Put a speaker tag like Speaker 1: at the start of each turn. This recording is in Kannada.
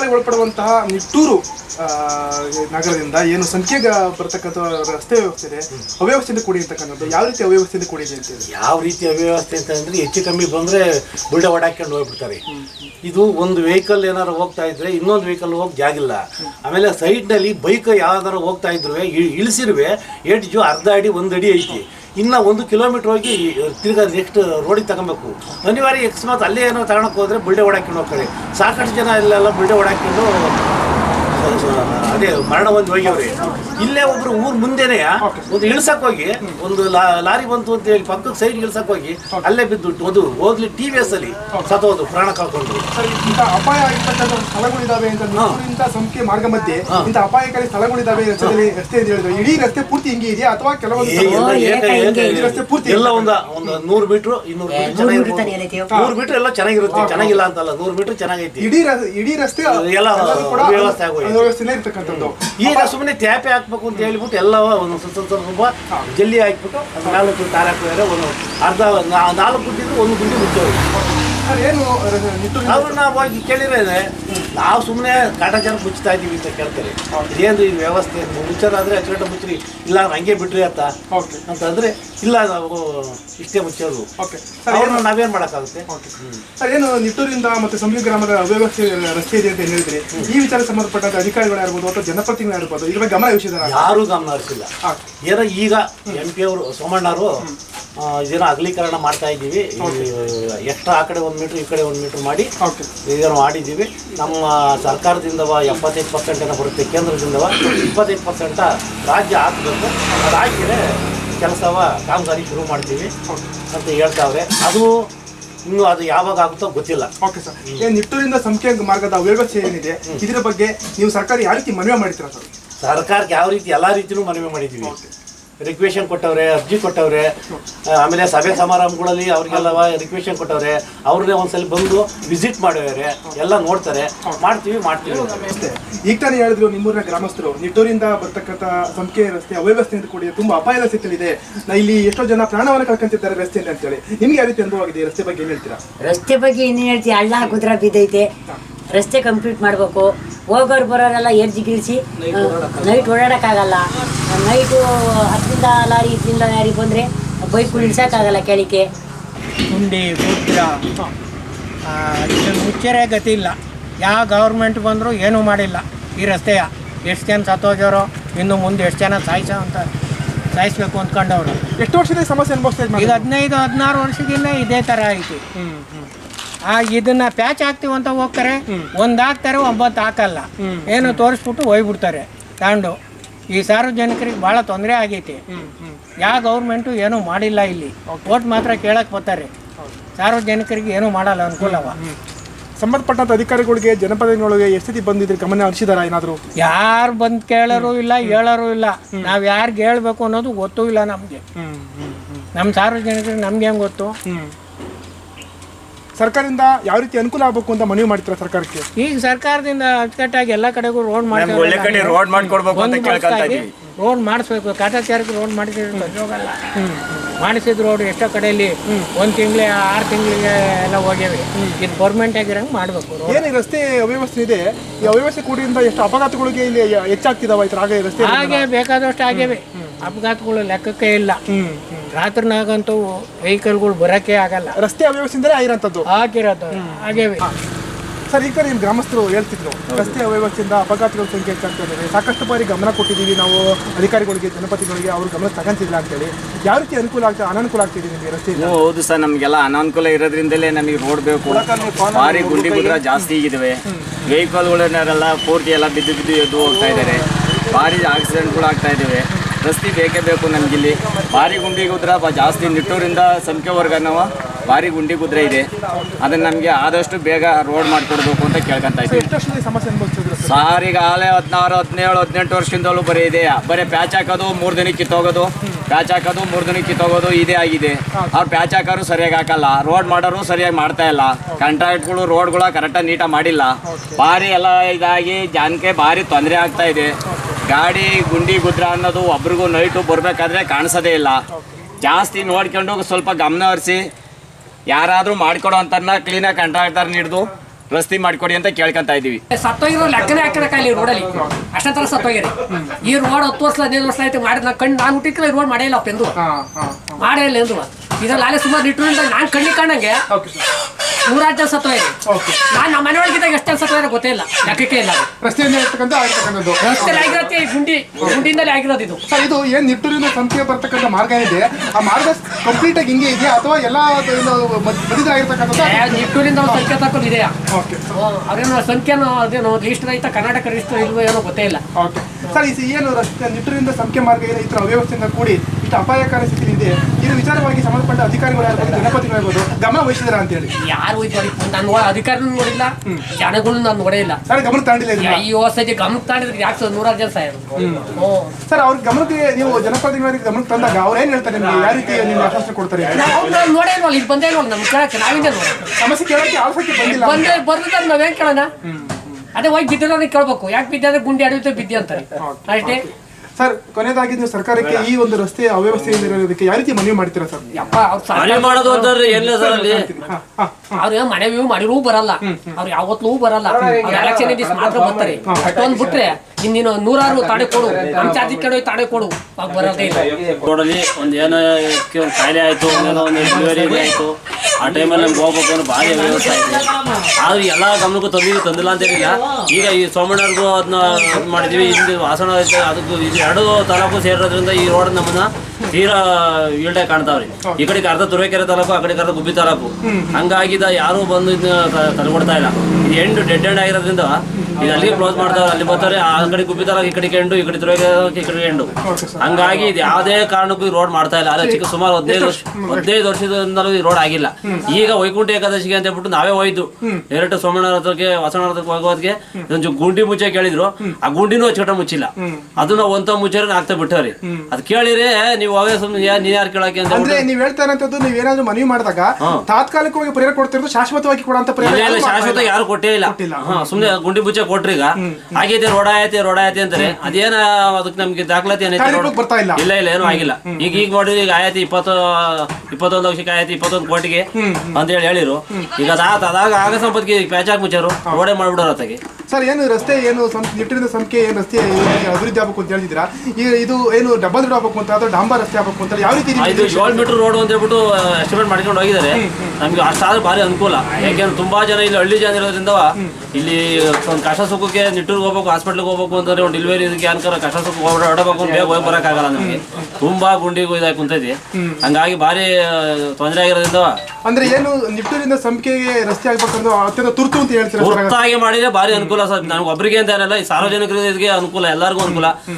Speaker 1: ಹೆದ್ದಾರಿಗೆ ಒಳಪಡುವಂತಹ ನಿಟ್ಟೂರು ನಗರದಿಂದ ಏನು ಸಂಖ್ಯೆಗೆ ಬರ್ತಕ್ಕಂಥ ರಸ್ತೆ ವ್ಯವಸ್ಥೆ ಇದೆ, ಅವ್ಯವಸ್ಥೆಯಿಂದ ಕೂಡಿರ್ತಕ್ಕಂಥದ್ದು ಯಾವ ರೀತಿ ಅವ್ಯವಸ್ಥೆಯಿಂದ ಕೂಡಿದೆ ಅಂತೇಳಿ?
Speaker 2: ಯಾವ ರೀತಿ ಅವ್ಯವಸ್ಥೆ ಅಂತಂದ್ರೆ ಹೆಚ್ಚು ಕಮ್ಮಿ ಬಂದರೆ ಬುಲ್ಡೆ ಹೊಡಾಕೊಂಡು ಹೋಗ್ಬಿಡ್ತಾರೆ. ಇದು ಒಂದು ವೆಹಿಕಲ್ ಏನಾರು ಹೋಗ್ತಾ ಇದ್ರೆ ಇನ್ನೊಂದು ವೆಹಿಕಲ್ ಹೋಗಿ ಜಾಗಿಲ್ಲ. ಆಮೇಲೆ ಸೈಡ್ನಲ್ಲಿ ಬೈಕ್ ಯಾವ್ದಾರು ಹೋಗ್ತಾ ಇದ್ರು ಇಳಿಸಿರುವೆ ಏಟು ಅರ್ಧ ಅಡಿ 1 ಅಡಿ ಐತಿ. ಇನ್ನು 1 ಕಿಲೋಮೀಟ್ರ್ ಹೋಗಿ ತಿರ್ಗಾ ನೆಕ್ಸ್ಟ್ ರೋಡಿಗೆ ತಗೊಬೇಕು. ಅನಿವಾರ್ಯ ಅಕಸ್ಮಾತ್ ಅಲ್ಲೇ ಏನೋ ತಗೊಳಕ್ಕೆ ಹೋದರೆ ಬುಲ್ಡೆ ಹೊಡಾಕೊಂಡು ಹೋಗ್ತಾರೆ. ಸಾಕಷ್ಟು ಜನ ಇಲ್ಲೆಲ್ಲ ಬುಲ್ಡೆ ಹೊಡಾಕೊಂಡು ಅದೇ ಮರಣ ಒಂದು ಹೋಗ್ಯವ್ರಿ. ಇಲ್ಲೇ ಒಬ್ರು ಊರ್ ಮುಂದೆನೆ ಒಂದು ಇಳ್ಸಕ್ ಹೋಗಿ ಒಂದು ಲಾರಿ ಬಂತು ಅಂತ ಹೇಳಿ ಪಕ್ಕದ ಸೈಡ್ ಇಳ್ಸಕ್ ಹೋಗಿ ಅಲ್ಲೇ ಬಿದ್ದು ಅದು ಹೋಗ್ಲಿ TVS ಅಲ್ಲಿ ಸತ್ತೋದು, ಪ್ರಾಣ ಕಳ್ಕೊಂಡ್ರು.
Speaker 1: ಇಂಥ ಅಪಾಯ ಆಗಿರ್ತಕ್ಕಂಥ ಸ್ಥಳಗಳಿದಾವೆ ಅಂತ ಸಂಖ್ಯೆ ಮಾರ್ಗ ಮಧ್ಯೆ ಇಂಥ ಅಪಾಯಕಾರಿ ಸ್ಥಳಗಳಿದಾವೆ ರಸ್ತೆಯಲ್ಲಿ ರಸ್ತೆ ಅಂತ ಹೇಳಿದ್ರು. ಇಡೀ ರಸ್ತೆ ಪೂರ್ತಿ ಹಿಂಗೆ ಇದೆಯಾ ಅಥವಾ ಕೆಲವೊಂದು ರಸ್ತೆ ಪೂರ್ತಿ
Speaker 2: ಎಲ್ಲ ಒಂದು 100 ಮೀಟ್ರು 200 ಮೀಟ್ರ್ 100 ಮೀಟ್ರ್ ಎಲ್ಲ ಚೆನ್ನಾಗಿರುತ್ತೆ, ಚೆನ್ನಾಗಿಲ್ಲ ಅಂತಲ್ಲ, 100 ಮೀಟ್ರ್ ಚೆನ್ನಾಗೈತಿ. ಇಡೀ ರಸ್ತೆ ಎಲ್ಲ ವ್ಯವಸ್ಥೆ ಆಗೋಯ್ತು. ಈಗ ಸುಮ್ಮನೆ ಟ್ಯಾಪೆ ಹಾಕ್ಬೇಕು ಅಂತ ಹೇಳ್ಬಿಟ್ಟು ಎಲ್ಲ ಒಂದು ಸ್ವಲ್ಪ ಜಲ್ಲಿ ಹಾಕ್ಬಿಟ್ಟು ಅದು 4 ತಾರ ಹಾಕಿದ್ರೆ ಒಂದು ಅರ್ಧ 4 ಗುಂಡಿದ್ರು 1 ಗುಂಡಿ ಮುಚ್ಚೋದು. ಅವ್ರನ್ನ ಹೋಗಿ ಕೇಳಿದ್ರೆ ನಾವು ಸುಮ್ಮನೆ ಕಾಟಾಚಾರ ಮುಚ್ತಾ ಇದ್ದೀವಿ ಅಂತ ಕೇಳ್ತಾರೆ. ಏನು ಈ ವ್ಯವಸ್ಥೆ ಮುಚ್ಚೋದಾದ್ರೆ ಅಚ್ಚುಕಟ್ಟ ಮುಚ್ಚ್ರಿ, ಇಲ್ಲ ಹಂಗೆ ಬಿಟ್ರಿ ಅಂತಂದ್ರೆ ಇಲ್ಲ ನಾವು ಇಷ್ಟೇ ಮುಚ್ಚೋದು. ಅವ್ರನ್ನ ನಾವೇನು ಮಾಡೋಕ್ಕಾಗುತ್ತೆ?
Speaker 1: ಸರ್, ಏನು ನಿಟ್ಟೂರಿಂದ ಮತ್ತು ಸಂಬಿ ಗ್ರಾಮದ ಅವ್ಯವಸ್ಥೆ ರಸ್ತೆ ಇದೆ ಅಂತ ಹೇಳಿದ್ರೆ ಈ ವಿಚಾರ ಸಂಬಂಧಪಟ್ಟಂತ ಅಧಿಕಾರಿಗಳಾಗಿರ್ಬೋದು ಅಥವಾ ಜನಪ್ರತಿನಿಧಿಗಳಿರ್ಬೋದು ಇದ್ರ ಗಮನ ಹರಿಸಿದಾರ?
Speaker 2: ಯಾರೂ ಗಮನ ಹರಿಸಿಲ್ಲ. ಏನೋ ಈಗ MP ಅವರು ಸೋಮಣ್ಣವರು ಇದೇನೋ ಅಗಲೀಕರಣ ಮಾಡ್ತಾ ಇದ್ದೀವಿ, ಎಕ್ಸ್ಟ್ರಾ ಆ ಕಡೆ 1 ಮೀಟ್ರ್ ಈ ಕಡೆ 1 ಮೀಟ್ರ್ ಮಾಡಿ ಇದೇನೋ ಮಾಡಿದ್ದೀವಿ. ನಮ್ಮ ಸರ್ಕಾರದಿಂದವ 75% ಏನೋ ಬರುತ್ತೆ, ಕೇಂದ್ರದಿಂದವ 25% ರಾಜ್ಯ ಹಾಕಬೇಕು. ಅದು ಹಾಕಿದರೆ ಕೆಲಸವ ಕಾಮಗಾರಿ ಶುರು ಮಾಡ್ತೀವಿ ಅಂತ ಹೇಳ್ತಾವ್ರೆ. ಅದು ಇನ್ನು ಅದು ಯಾವಾಗ ಆಗುತ್ತೋ ಗೊತ್ತಿಲ್ಲ.
Speaker 1: ಓಕೆ ಸರ್, ನಿಟ್ಟೂರಿಂದ ಸಂಖ್ಯೆ ಮಾರ್ಗದ ಅವ್ಯವಸ್ಥೆ ಏನಿದೆ ಇದರ ಬಗ್ಗೆ ನೀವು ಸರ್ಕಾರ ಯಾವ ರೀತಿ ಮನವಿ ಮಾಡ್ತೀರಾ ಸರ್?
Speaker 2: ಸರ್ಕಾರಕ್ಕೆ ಯಾವ ರೀತಿ ಎಲ್ಲ ರೀತಿಯೂ ಮನವಿ ಮಾಡಿದ್ದೀವಿ. ರಿಕ್ವೆಷನ್ ಕೊಟ್ಟವ್ರೆ, ಅರ್ಜಿ ಕೊಟ್ಟವ್ರೆ, ಆಮೇಲೆ ಸಭೆ ಸಮಾರಂಭಗಳಲ್ಲಿ ಅವ್ರಿಗೆಲ್ಲ ರಿಕ್ವೆಷನ್ ಕೊಟ್ಟವ್ರೆ. ಅವ್ರನ್ನೇ ಒಂದ್ಸಲ ಬಂದು ವಿಸಿಟ್ ಮಾಡಿದ್ರೆ ಎಲ್ಲ ನೋಡ್ತಾರೆ. ಮಾಡ್ತೀವಿ.
Speaker 1: ಈಗ ತಾನೇ ಹೇಳಿದ್ರು ನಿಮ್ಮೂರಿನ ಗ್ರಾಮಸ್ಥರು ನಿಟ್ಟೂರಿಂದ ಬರ್ತಕ್ಕಂಥ ಸಂಖ್ಯೆ ರಸ್ತೆ ಅವ್ಯವಸ್ಥೆಯಿಂದ ಕೂಡಿದೆ, ತುಂಬಾ ಅಪಾಯದ ಸ್ಥಿತಿಯಲ್ಲಿದೆ, ಇಲ್ಲಿ ಎಷ್ಟೋ ಜನ ಪ್ರಾಣವನ್ನು ಕಳ್ಕೊಂತಿದ್ದಾರೆ ರಸ್ತೆಯಲ್ಲಿ ಅಂತೇಳಿ. ನಿಮ್ಗೆ ಯಾವ ರೀತಿ ಅನುಭವವಾಗಿದೆ ರಸ್ತೆ ಬಗ್ಗೆ? ಏನು ಹೇಳ್ತೀರಾ?
Speaker 3: ರಸ್ತೆ ಬಗ್ಗೆ ಏನು ಹೇಳ್ತೀವಿ? ಹಳ್ಳ ಕುದ್ರ ಬಿದ್ದೈತೆ, ರಸ್ತೆ ಕಂಪ್ಲೀಟ್ ಮಾಡಬೇಕು. ಹೋಗೋರು ಬರೋರೆಲ್ಲ ಗಿಳಿಸಿ ನೈಟ್ ಓಡಾಡೋಕ್ಕಾಗಲ್ಲ. ನೈಟು 10ರಿಂದ ಲಾರಿ 10ರಿಂದ ಲಾರಿ ಬಂದರೆ ಬೈಕ್ ನಿಲ್ಸೋಕ್ಕಾಗಲ್ಲ. ಕೆಳಕ್ಕೆ
Speaker 4: ಗುಂಡಿ ಗುದ್ರ ಮುಚ್ಚರೇ ಗತಿ ಇಲ್ಲ. ಯಾವ ಗೌರ್ಮೆಂಟ್ ಬಂದರೂ ಏನೂ ಮಾಡಿಲ್ಲ ಈ ರಸ್ತೆಯ. ಎಷ್ಟು ಜನ ಸತ್ತೋಗ್ಯವರು, ಇನ್ನು ಮುಂದೆ ಎಷ್ಟು ಜನ ಸಾಯಿಸ್ಬೇಕು ಅಂದ್ಕೊಂಡವ್ರು.
Speaker 1: ಎಷ್ಟು ವರ್ಷದ ಸಮಸ್ಯೆ ಅನುಭವಿಸ್ತಾ
Speaker 4: ಈಗ 15-16 ವರ್ಷದಿಂದ ಇದೇ ಥರ ಐತಿ. ಇದನ್ನ ಪ್ಯಾಚ್ ಹಾಕ್ತೀವಿ ಅಂತ ಹೋಗ್ತಾರೆ, 1 ಹಾಕ್ತಾರೆ 9 ಹಾಕಲ್ಲ. ಏನು ತೋರಿಸ್ಬಿಟ್ಟು ಹೋಗ್ಬಿಡ್ತಾರೆ ತಗೊಂಡು. ಈ ಸಾರ್ವಜನಿಕರಿಗೆ ಭಾಳ ತೊಂದರೆ ಆಗೈತಿ. ಯಾವ ಗೌರ್ಮೆಂಟು ಏನೂ ಮಾಡಿಲ್ಲ. ಇಲ್ಲಿ ಓಟ್ ಮಾತ್ರ ಕೇಳಕ್ಕೆ ಬರ್ತಾರೆ, ಸಾರ್ವಜನಿಕರಿಗೆ ಏನೂ ಮಾಡಲ್ಲ ಅನುಕೂಲವ.
Speaker 1: ಸಂಬಂಧಪಟ್ಟಂತ ಅಧಿಕಾರಿಗಳಿಗೆ ಜನಪ್ರತಿನಿಧಿಗಳಿಗೆ ಎಷ್ಟು ಸತಿ ಬಂದಿದ್ರೆ ಗಮನ ಹರಿಸಿದಾರ ಏನಾದ್ರು?
Speaker 4: ಯಾರು ಬಂದು ಕೇಳೋರು ಇಲ್ಲ, ಹೇಳೋರು ಇಲ್ಲ. ನಾವು ಯಾರಿಗೆ ಹೇಳ್ಬೇಕು ಅನ್ನೋದು ಗೊತ್ತೂ ಇಲ್ಲ ನಮಗೆ. ನಮ್ಮ ಸಾರ್ವಜನಿಕರಿಗೆ ನಮ್ಗೆ ಹೆಂಗೆ ಗೊತ್ತು?
Speaker 1: ಸರ್ಕಾರದಿಂದ ಯಾವ ರೀತಿ ಅನುಕೂಲ ಆಗಬೇಕು ಅಂತ ಮನವಿ ಮಾಡ್ತೀರಾ ಸರ್ಕಾರಕ್ಕೆ?
Speaker 4: ಈಗ ಸರ್ಕಾರದಿಂದ ಅಚ್ಚುಕಟ್ಟಾಗಿ ಎಲ್ಲ ಕಡೆಗೂ ರೋಡ್ ರೋಡ್ ಮಾಡಿಸ್ಬೇಕು. ಕಾಟಾಚಾರಕ್ಕೆ ರೋಡ್ ಹೋಗಲ್ಲ. ಮಾಡಿಸಿದ ರೋಡ್ ಎಷ್ಟೋ ಕಡೆಯಲ್ಲಿ 1 ತಿಂಗಳಿಗೆ 6 ತಿಂಗಳಿಗೆ ಎಲ್ಲ ಹೋಗ್ಯವೆ. ಇದು ಗೌರ್ಮೆಂಟ್ ಆಗಿರಂಗೆ ಮಾಡಬೇಕು.
Speaker 1: ಏನು ರಸ್ತೆ ಅವ್ಯವಸ್ಥೆ ಇದೆ, ಈ ಅವ್ಯವಸ್ಥೆ ಕೂಡಿಯಿಂದ ಎಷ್ಟು ಅಪಘಾತಗಳಿಗೆ ಇಲ್ಲಿ ಹೆಚ್ಚಾಗ್ತಿದಾವ ಈ ರಸ್ತೆ?
Speaker 4: ಹಾಗೆ ಬೇಕಾದಷ್ಟು ಆಗ್ಯವೆ ಅಪಘಾತಗಳು, ಲೆಕ್ಕಕ್ಕೆ ಇಲ್ಲ. ರಾತ್ರಿನಾಗಂತೂ ವೆಹಿಕಲ್ಗಳು ಬರೋಕ್ಕೆ ಆಗಲ್ಲ.
Speaker 1: ರಸ್ತೆ ಅವ್ಯವಸ್ಥೆಯಿಂದಲೇ ಆಗಿರೋಂಥದ್ದು
Speaker 4: ಆಗಿರೋದು ಆಗ್ಯವೆ.
Speaker 1: ಸರ್, ಈಗ ನಿಮ್ಮ ಗ್ರಾಮಸ್ಥರು ಹೇಳ್ತಿದ್ರು ರಸ್ತೆ ಅವ್ಯವಸ್ಥೆಯಿಂದ ಅಪಘಾತಗಳ ಸಂಖ್ಯೆ ಹೆಚ್ಚಾಗ್ತದೆ, ಸಾಕಷ್ಟು ಬಾರಿ ಗಮನ ಕೊಟ್ಟಿದ್ದೀವಿ ನಾವು ಅಧಿಕಾರಿಗಳಿಗೆ, ಜನಪ್ರತಿನಿಧಿಗಳಿಗೆ, ಅವ್ರು ಗಮನ ತಗೊಂತಿಲ್ಲ ಅಂತೇಳಿ. ಯಾವ ರೀತಿ ಅನುಕೂಲ ಆಗ್ತದೆ, ಅನಾನುಕೂಲ ಆಗ್ತಿದೆ ನಿಮಗೆ ರಸ್ತೆ?
Speaker 5: ಹೌದು ಸರ್, ನಮಗೆಲ್ಲ ಅನಾನುಕೂಲ ಇರೋದ್ರಿಂದಲೇ ನಮಗೆ ರೋಡ್ ಬೇಕು. ಭಾರಿ ಗುಂಡಿ ಗುದ್ರ ಜಾಸ್ತಿ ಇದಾವೆ. ವೆಹಿಕಲ್ಗಳನ್ನೆಲ್ಲ ಪೂರ್ತಿ ಎಲ್ಲ ಬಿದ್ದು ಎದ್ದು ಹೋಗ್ತಾ ಇದ್ದಾರೆ. ಭಾರಿ ಆಕ್ಸಿಡೆಂಟ್ಗಳು ಆಗ್ತಾ ಇದ್ದಾವೆ. ರಸ್ತೆ ಬೇಕೇ ಬೇಕು ನಮಗಿಲ್ಲಿ. ಭಾರಿ ಗುಂಡಿ ಗುದ್ರ ಜಾಸ್ತಿ. ನಿಟ್ಟೂರಿಂದ ಸಂಖ್ಯೆವರೆಗೂ ಭಾರಿ ಗುಂಡಿ ಗುದ್ರೆ ಇದೆ. ಅದನ್ನು ನಮಗೆ ಆದಷ್ಟು ಬೇಗ ರೋಡ್ ಮಾಡಿಕೊಡ್ಬೇಕು ಅಂತ ಕೇಳ್ಕೊಂತ ಇದ್ದೀವಿ. ಸಾರ್ ಈಗ ಆಲೇ 16, 17, 18 ವರ್ಷದಿಂದಲೂ ಬರೀ ಇದೆ. ಬರೀ ಪ್ಯಾಚ್ ಹಾಕೋದು, 3 ದಿನಕ್ಕೆ ಕಿತ್ತೋಗೋದು, ಪ್ಯಾಚ್ ಹಾಕೋದು, 3 ದಿನಕ್ಕೆ ಕಿತ್ತೋಗೋದು ಇದೇ ಆಗಿದೆ. ಅವ್ರು ಪ್ಯಾಚ್ ಹಾಕೋರು ಸರಿಯಾಗಿ ಹಾಕಲ್ಲ, ರೋಡ್ ಮಾಡೋರು ಸರಿಯಾಗಿ ಮಾಡ್ತಾ ಇಲ್ಲ. ಕಾಂಟ್ರಾಕ್ಟ್ಗಳು ರೋಡ್ಗಳ ಕರೆಕ್ಟಾಗಿ ನೀಟಾಗಿ ಮಾಡಿಲ್ಲ. ಭಾರಿ ಎಲ್ಲ ಇದಾಗಿ ಜನಕ್ಕೆ ಭಾರಿ ತೊಂದರೆ ಆಗ್ತಾ ಇದೆ. ಗಾಡಿ ಗುಂಡಿ ಗುದ್ರ ಅನ್ನೋದು ಒಬ್ರಿಗೂ ನೈಟು ಬರಬೇಕಾದ್ರೆ ಕಾಣಿಸೋದೇ ಇಲ್ಲ. ಜಾಸ್ತಿ ನೋಡ್ಕೊಂಡು ಸ್ವಲ್ಪ ಗಮನ ಹರಿಸಿ ಯಾರಾದರೂ ಮಾಡ್ಕೊಡೋ ಅಂತನ್ನ ಕ್ಲೀನಾಗಿ ಕಾಂಟ್ರಾಕ್ಟರ್ನ ಹಿಡಿದು ರಸ್ತೆ ಮಾಡಿಕೊಡಿ ಅಂತ ಕೇಳ್ಕೊಂತ ಇದೀವಿ.
Speaker 6: ಸತ್ತೋಗಿರೋ ಲೆಕ್ಕನೇ ಹಾಕಿರಕ್ಕ ಇಲ್ಲಿ ರೋಡಲ್ಲಿ ಅಷ್ಟೊಂಥರ ಸತ್ತೋಗಿರಿ. ಈ ರೋಡ್ 10 ವರ್ಷ 15 ವರ್ಷ ಆಯ್ತು ಮಾಡಿದ್ ನಾನು ಹುಟ್ಟಿಕ್ಕಿಲ್ಲ ಈ ರೋಡ್ ಮಾಡೇ ಇಲ್ಲ ಎಂದು ಮಾಡೇ ಇಲ್ಲ ಎಂದು. ಇದ್ರಲ್ಲಿ ಅಲ್ಲೇ ಸುಮಾರು ಲಿಟ್ರಿಂದ ನಾನು ಕಣ್ಣಿಗೆ ಕಾಣಂಗೆ 100 ಜನ ಸತ್ತೋಗಿರಿ. ನಾನು ನಮ್ಮ ಮನೆ ಒಳಗಿದ್ದಾಗ ಎಷ್ಟು ಜನ ಸತ್ತೋಗಿರೋ ಗೊತ್ತೇ ಇಲ್ಲ, ಲೆಕ್ಕಕ್ಕೆ ಇಲ್ಲ.
Speaker 1: ರಸ್ತೆಯಿಂದ ಆಗಿರ್ತಕ್ಕಂಥದ್ದು
Speaker 6: ರಸ್ತೆಯಲ್ಲಿ ಆಗಿರತ್ತೆ, ಗುಂಡಿಯಿಂದಲೇ ಆಗಿರೋದು ಇದು.
Speaker 1: ಸರ್ ಇದು ಏನ್ ನಿಟ್ಟೂರಿಂದ ಸಂಪಿಗೆ ಬರ್ತಕ್ಕಂಥ ಮಾರ್ಗ ಏನಿದೆ ಆ ಮಾರ್ಗ ಕಂಪ್ಲೀಟ್ ಆಗಿ ಹಿಂಗೆ ಇದೆಯಾ ಅಥವಾ ಎಲ್ಲ ಮಧ್ಯದಾಗಿರ್ತಕ್ಕಂಥದ್ದು?
Speaker 6: ನಿಟ್ಟೂರಿಂದ ಒಂದು ಸಂಖ್ಯೆ ತಕೊಂಡು ಇದೆಯಾ?
Speaker 1: ಓಕೆ
Speaker 6: ಅದೇನೋ ಸಂಖ್ಯೆನೋ ಅದೇನೋ ರಿಜಿಸ್ಟರ್ ಆಯ್ತಾ ಕರ್ನಾಟಕ ರಿಜಿಸ್ಟರ್ ಇಲ್ವೋ ಏನೋ ಗೊತ್ತೇ ಇಲ್ಲ.
Speaker 1: ಓಕೆ ಸರ್ ಇದು ಏನು ರಸ್ತೆ ನಿಟ್ಟೂರಿಂದ ಸಂಖ್ಯೆ ಮಾರ್ಗ ಏನು ಈ ಥರ ಅವ್ಯವಸ್ಥೆಯಿಂದ ಕೂಡಿ ಇಷ್ಟು ಅಪಾಯಕಾರಿ ಸ್ಥಿತಿ ಇದೆ, ಇದು ವಿಚಾರವಾಗಿ ಸಂಬಂಧಪಟ್ಟ ಅಧಿಕಾರಿಗಳಾಗಿರ್ಬೋದು ಜನಪತಿಗಳಾಗಿರ್ಬೋದು ಗಮನ ವಹಿಸಿದಾರ ಅಂತ ಹೇಳಿ?
Speaker 6: ಯಾರು ನಾನು ಅಧಿಕಾರಿನೂ ನೋಡಿಲ್ಲ, ಜನಗಳು ನಾನು ನೋಡೇ ಇಲ್ಲ.
Speaker 1: ಸರ್ ಗಮನ ತಾಂಡಿಲ್ಲ
Speaker 6: ಈ ಹೊಸತಿ ಗಮನಕ್ಕೆ ತಾಂಡಿದ್ರೆ ಯಾಕೆ 100 ಜನ ಸಾಯೋದು?
Speaker 1: ಸರ್ ಅವ್ರ ಗಮನಕ್ಕೆ ನೀವು ಜನಪ್ರತಿನಿಧಿಗಳಿಗೆ ಗಮನಕ್ಕೆ ತಂದಾಗ ಅವ್ರು ಏನ್ ಹೇಳ್ತಾರೆ ನಿಮ್ಗೆ, ಯಾವ ರೀತಿ ನಿಮ್ಗೆ ಆಶ್ವಾಸನೆ ಕೊಡ್ತಾರೆ?
Speaker 6: ನಾವು ನೋಡೇ ಇಲ್ವಲ್ಲ, ಇಲ್ಲಿ ಬಂದೇ ಇಲ್ವಲ್ಲ ನಮ್ಗೆ ಕೇಳಕ್ಕೆ, ನಾವಿಂದ ನೋಡಿ
Speaker 1: ಸಮಸ್ಯೆ ಕೇಳೋಕ್ಕೆ ಆಲ್ಸಕ್ಕೆ ಬಂದಿಲ್ಲ.
Speaker 6: ಬರ್ದಿದ್ದ ನಾವೇನ್ ಕೇಳೋಣ? ಅದೇ ಹೋಗಿ ಬಿದ್ದಿರೋದಕ್ಕೆ ಕೇಳ್ಬೇಕು, ಯಾಕೆ ಬಿದ್ದೆ ಗುಂಡಿ ಅಡಿಯುತ್ತೆ ಬಿದ್ದಿ ಅಂತಾರೆ ಅಷ್ಟೇ.
Speaker 1: ಸರ್ ಕೊನೆಯದಾಗಿ ನೀವು ಸರ್ಕಾರಕ್ಕೆ ಈ ಒಂದು ರಸ್ತೆ ಅವ್ಯವಸ್ಥೆಯಿಂದ ಯಾವ ರೀತಿ ಮನವಿ ಮಾಡ್ತೀರಾ ಸರ್?
Speaker 6: ಯಪ್ಪ ಅವ್ರು
Speaker 7: ಮಾಡೋದು ಅಂತಾರೆ ಎಲ್ಲ ಸರ್ ಅಲ್ಲಿ
Speaker 6: ಅವ್ರು ಮನೆ ಮಾಡಿರೂ ಬರಲ್ಲ, ಅವ್ರು ಯಾವತ್ತೂ ಬರಲ್ಲ, ಅವ್ರು ಎಲೆಕ್ಷನ್ ದಿವಸ ಮಾತ್ರ ಬರ್ತಾರೆ. ಅಷ್ಟೊಂದು ಬಿಟ್ರೆ ಇನ್ನೇನು 100 ತಾಡೆ ಕೊಡು, ಪಂಚಾಯತಿ ಕಡೆ ತಾಡೆ ಕೊಡು, ಬರೋದೇ ಇಲ್ಲ.
Speaker 7: ರೋಡಲ್ಲಿ ಒಂದು ಏನೋ ಕಾಯಿಲೆ ಆಯ್ತು, ಏನೋ ಒಂದು ಡೆಲಿವರಿ ಆಯ್ತು, ಆ ಟೈಮಲ್ಲಿ ನಮ್ಗೆ ಹೋಗ್ಬೇಕು ಅನ್ನೋ ಭಾರಿ ವ್ಯವಸ್ಥೆ ಇದೆ. ಆದ್ರೆ ಎಲ್ಲ ಗಮನಕ್ಕೂ ತಂದಿಲ್ಲ ಅಂತ ಹೇಳಿಲ್ಲ. ಈಗ ಈ ಸೋಮಣ್ಣವ್ರಿಗೂ ಅದನ್ನ ಇದು ಮಾಡಿದೀವಿ. ಇಲ್ಲಿ ವಾಸನ ಅದಕ್ಕೂ ಎರಡು ತಾಲೂಕು ಸೇರೋದ್ರಿಂದ ಈ ರೋಡ್ ನಮ್ಮನ್ನ ತೀರಾ ಈಲ್ಡಾಗಿ ಕಾಣ್ತಾವ್ರಿ. ಈ ಕಡೆಗೆ ಅರ್ಧ ತುರುವೇಕೆರೆ ತಾಲೂಕು, ಆ ಕಡೆಗೆ ಅರ್ಧ ಗುಬ್ಬಿ ತಾಲೂಕು. ಹಂಗಾಗಿದ ಯಾರು ಬಂದು ಇದನ್ನ ತಲೆಕೊಡ್ತಾ ಇಲ್ಲ. ಇದು ಡೆಡ್ ಎಂಡ್ ಆಗಿರೋದ್ರಿಂದ ಇದು ಅಲ್ಲಿಗೆ ಕ್ಲೋಸ್ ಮಾಡ್ತಾವ್ರೆ, ಅಲ್ಲಿ ಬರ್ತಾರೆ. ಆ ಕಡೆ ಗುಬ್ಬಿ ತಾಲೂಕು, ಈ ಕಡೆ ಎಂಡು, ಈ ಕಡೆ ತುರುವೇಕೆರೆ ಈ ಕಡೆ ಎಂಡು. ಹಂಗಾಗಿ ಇದು ಯಾವುದೇ ಕಾರಣಕ್ಕೂ ಈ ರೋಡ್ ಮಾಡ್ತಾ ಇಲ್ಲ. ಅಲ್ಲ ಚಿಕ್ಕ ಸುಮಾರು 15 ವರ್ಷದಿಂದಲೂ ಈ ರೋಡ್ ಆಗಿಲ್ಲ. ಈಗ ವೈಕುಂಠ ಏಕಾದಶಿಗೆ ಅಂತ ಹೇಳ್ಬಿಟ್ಟು ನಾವೇ ಹೋಯ್ತು ಡೈರೆಕ್ಟ್ ಸೋಮಣ್ಣವ್ರ ಹತ್ರಕ್ಕೆ ವಾಸಣ್ಣವ್ರ ಹತ್ರಕ್ಕೆ ಹೋಗೋದಕ್ಕೆ ಒಂದು ಗುಂಡಿ ಮುಚ್ಚೆ ಕೇಳಿದ್ರು. ಆ ಗುಂಡಿನೂ ಅಚ್ಚುಕಟ್ಟ ಮುಚ್ಚಿಲ್ಲ, ಅದನ್ನ ಒಂತ ಮುಚ್ಚೆ ಹಾಕ್ತಾ ಬಿಟ್ಟವ್ರಿ. ಅದ್ ಕೇಳಿದ್ರೆ ನೀವು ಅವೇ ಸುಮ್ಮನೆ ನೀ ಯಾರು ಕೇಳಕ್ಕೆ ಅಂತ
Speaker 1: ಅಂದ್ರೆ ನೀವ್ ಹೇಳ್ತಾ ಇರೋಂಥದ್ದು, ನೀವೇನಾದ್ರೂ ಮನವಿ ಮಾಡಿದಾಗ ತಾತ್ಕಾಲಿಕವಾಗಿ ಪರಿಹಾರ ಕೊಡ್ತಿರೋದು, ಶಾಶ್ವತವಾಗಿ ಕೊಡುವಂತ ಪರಿಹಾರ
Speaker 7: ಶಾಶ್ವತ ಯಾರು ಕೊಟ್ಟೇ ಇಲ್ಲ. ಸುಮ್ನೆ ಗುಂಡಿ ಮುಚ್ಚೆ ಕೊಟ್ರಿ. ಈಗ ಆಗೈತೆ ರೋಡ್ ಆಯ್ತೆ ಅಂತಾರೆ. ಅದೇನ ಅದಕ್ಕೆ ನಮ್ಗೆ ದಾಖಲಾತಿ
Speaker 1: ಬರ್ತಾ ಇಲ್ಲ.
Speaker 7: ಇಲ್ಲ ಏನೂ ಆಗಿಲ್ಲ. ಈಗ ನೋಡಿದ್ರೆ ಈಗ ಆಯ್ತು 21 ಲಕ್ಷಕ್ಕೆ ಆಯ್ತು 21 ಕೋಟಿಗೆ ಅಂತ ಹೇಳಿರು. ಈಗ ಅದಾಗ ಆಗ ಸಂಪತ್ತಿಗೆ ಪ್ಯಾಚ್ ಹಾಕಿ ಮುಚ್ಚಾರು, ರೋಡೇ ಮಾಡ್ಬಿಡೋರು ಅತ್ತಾಗೆ.
Speaker 1: ಸರ್ ಏನು ರಸ್ತೆ ಏನು ನಿಟ್ಟಿನ ಸಂಖ್ಯೆ ಏನು ರಸ್ತೆ ಅಭಿವೃದ್ಧಿ ಆಗ್ಬೇಕು ಅಂತ ಹೇಳಿದಿರಾ? ಇದು ಏನು ಡಬಲ್ ರೋಡ್ ಆಗ್ಬೇಕು ಅಂತ ಅಥವಾ ಡಾಂಬರ್ ರಸ್ತೆ ಆಗ್ಬೇಕು ಅಂತ ಯಾವ ರೀತಿ?
Speaker 7: ಇದು 7 ಮೀಟರ್ ರೋಡ್ ಅಂತ ಹೇಳ್ಬಿಟ್ಟು ಎಸ್ಟಿಮೇಟ್ ಮಾಡ್ಕೊಂಡು ಹೋಗಿದ್ದಾರೆ. ನಮ್ಗೆ ಅಷ್ಟಾದ್ರೂ ಭಾರಿ ಅನುಕೂಲ. ಯಾಕೆಂದ್ರೆ ತುಂಬಾ ಜನ ಇಲ್ಲಿ ಹಳ್ಳಿ ಜನ ಇರೋದ್ರಿಂದ ಇಲ್ಲಿ ಒಂದು ಕಷ್ಟ ಸುಖಕ್ಕೆ ನಿಟ್ಟೂರ್ಗೆ ಹೋಗ್ಬೇಕು, ಹಾಸ್ಪಿಟ್ಲಿಗೆ ಹೋಗ್ಬೇಕು ಅಂತಂದ್ರೆ ಒಂದು ಡೆಲಿವರಿ ಇದಕ್ಕೆ ಅನ್ಕರ ಕಷ್ಟ ಸುಖ ಓಡಾಡಬೇಕು, ಬೇಗ ಹೋಗಿ ಬರೋಕ್ಕಾಗಲ್ಲ. ನಮಗೆ ತುಂಬಾ ಗುಂಡಿಗೂ ಇದಾಗಿ ಕುಂತೈತಿ. ಹಂಗಾಗಿ ಭಾರಿ ತೊಂದರೆ ಆಗಿರೋದ್ರಿಂದ
Speaker 1: ಅಂದ್ರೆ ಏನು ನಿಟ್ಟೂರಿಂದ ಸಂಖ್ಯೆಗೆ ರಸ್ತೆ ಆಗ್ಬೇಕಂದ್ರೆ ಅತ್ಯಂತ ತುರ್ತು ಅಂತ ಹೇಳ್ತೀರಾ?
Speaker 7: ತುರ್ತಾಗಿ ಮಾಡಿದ್ರೆ ಭಾರಿ ಅನುಕೂಲ ಸರ್. ನನಗೆ ಒಬ್ಬರಿಗೆ ಅಂತ ಏನಲ್ಲ, ಈ ಸಾರ್ವಜನಿಕರಿಗೆ ಅನುಕೂಲ, ಎಲ್ಲರಿಗೂ ಅನುಕೂಲ.